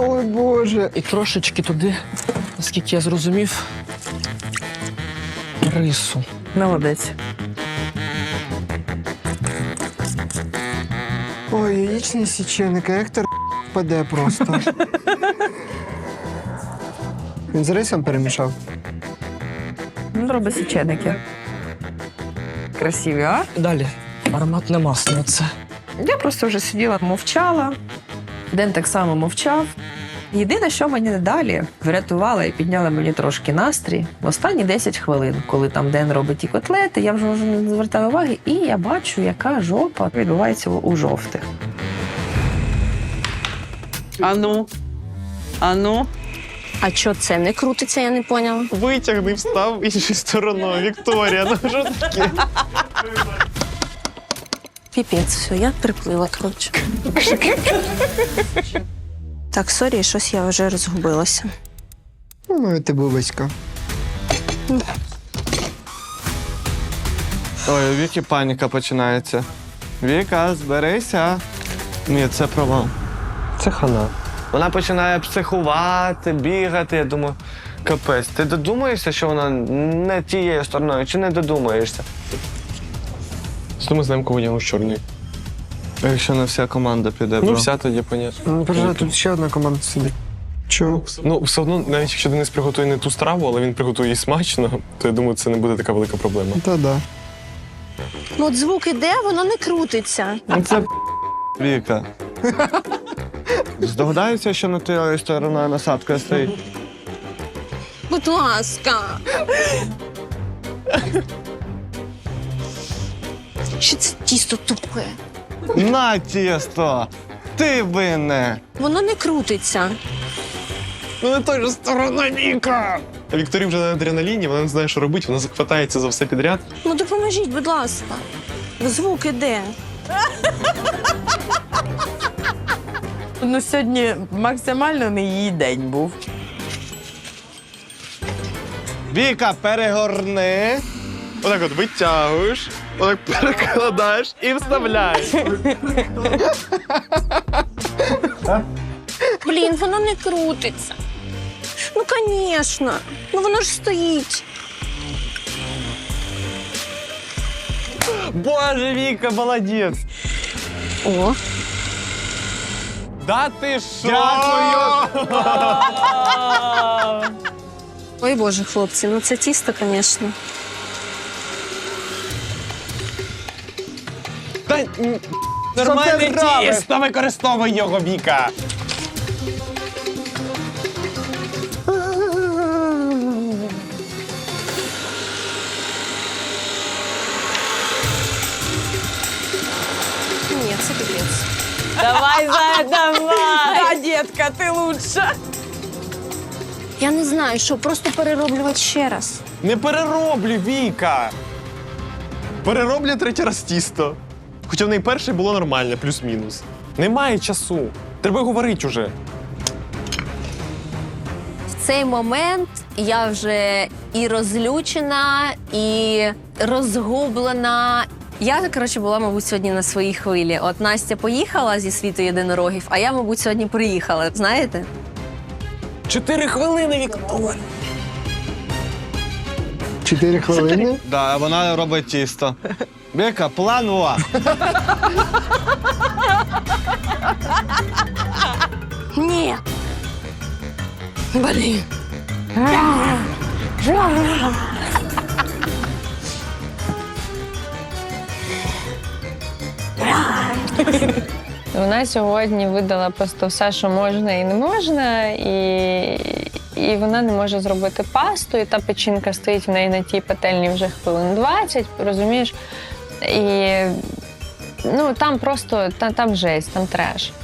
Ой, Боже. І трошечки туди, наскільки я зрозумів, рису. Молодець. Ой, яєчний січеник, а Ектор впаде просто. Він з рисом перемішав. Він робить січеники. Красиві, а? Далі. Ароматне масло це. Я просто вже сиділа, мовчала. Ден так само мовчав. Єдине, що мені далі врятувало і підняло мені трошки настрій, в останні 10 хвилин, коли там Ден робить ті котлети, я вже не звертаю уваги, і я бачу, яка жопа відбувається у жовтих. Ану. Ану. А що це не крутиться, я не поняла. Витягни, встав іншою стороною. Вікторія, ну що таке? Піпець, все, я приплила, коротше. Так, сорі, щось я вже розгубилася. Ну, ти бубочка. Ой, у Віки паніка починається. Віка, зберися. Ні, це провал. Це хана. Вона починає психувати, бігати. Я думаю, капець, ти додумаєшся, що вона не тією стороною, чи не додумаєшся? Що ми знаємо, кого я з чорний? А якщо не вся команда піде, бро? Ну, вся тоді, понятно. Ну, переживай, тут ще одна команда сидить. Чого? Ну, все одно, навіть якщо Денис приготує не ту страву, але він приготує її смачно, то я думаю, це не буде така велика проблема. Та-да. Ну, от звук іде, воно не крутиться. Ну, це Віка. Здогадаюся, що не тією стороною насадка стоїть. Будь ласка. Що це тісто тупе? На тісто! Ти винне! Воно не крутиться. Ну, не той же сторона, Віка! А Вікторія вже на адреналіні, вона не знає, що робити, вона захватається за все підряд. Ну, допоможіть, будь ласка. Звук іде. Ну, сьогодні максимально не її день був. Віка, перегорни. Отак от витягуєш, отак перекладаєш і вставляєш. Блін, воно не крутиться. Ну, звісно. Ну, воно ж стоїть. Боже, Віка, молодець. О, Да ти що? Дякую. ой, Боже, хлопці, ну це тісто, звісно. Та нормальне тісто, використовуй його, Віка. Ні, це капець. Давай, Зая, давай! Да, детка, ти лучша. Я не знаю, що, просто перероблювати ще раз. Не перероблю, Віка. Перероблю третій раз тісто. Хоча в неї перше було нормальне, плюс-мінус. Немає часу. Треба говорити уже. В цей момент я вже і розлючена, і розгублена. Я, коротше, була, мабуть, сьогодні на своїй хвилі. От Настя поїхала зі світу єдинорогів, а я, мабуть, сьогодні приїхала, знаєте? 4 хвилини, Вікторія. 4 хвилини? Да, вона робить тісто. Віка, план А. Ні. Блін. Вона сьогодні видала просто все, що можна і не можна, і вона не може зробити пасту, і та печінка стоїть в неї на тій пательні вже хвилин 20, розумієш? І ну, там просто, там жесть, там треш.